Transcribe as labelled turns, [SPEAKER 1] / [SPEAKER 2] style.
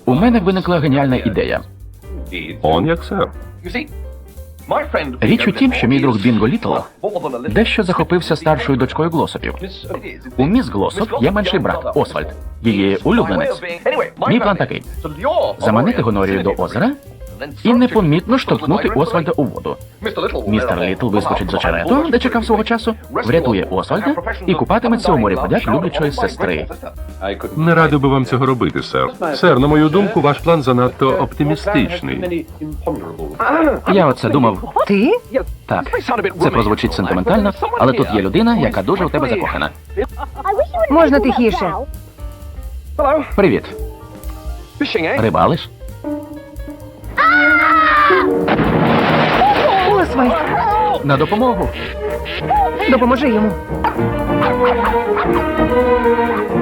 [SPEAKER 1] У мене виникла геніальна ідея.
[SPEAKER 2] Он як, сер.
[SPEAKER 1] Річ у тім, що мій друг Бінго Літл дещо захопився старшою дочкою Глосопів. У міс Глосоп є менший брат Освальд, її улюбленець. Мій план такий: заманити Гонорію до озера і непомітно штовхнути Освальда у воду. Містер Літл вискочить з очерету, де чекав свого часу, врятує Освальда і купатиметься у морі подяк люблячої сестри.
[SPEAKER 2] Не радив би вам цього робити, сер. Сер, на мою думку, ваш план занадто оптимістичний.
[SPEAKER 1] Я оце думав.
[SPEAKER 3] Ти?
[SPEAKER 1] Так, це прозвучить сентиментально, але тут є людина, яка дуже у тебе закохана.
[SPEAKER 3] Можна тихіше.
[SPEAKER 1] Привіт. Рибалиш?
[SPEAKER 3] Освальд,
[SPEAKER 1] На допомогу.
[SPEAKER 3] допоможи йому.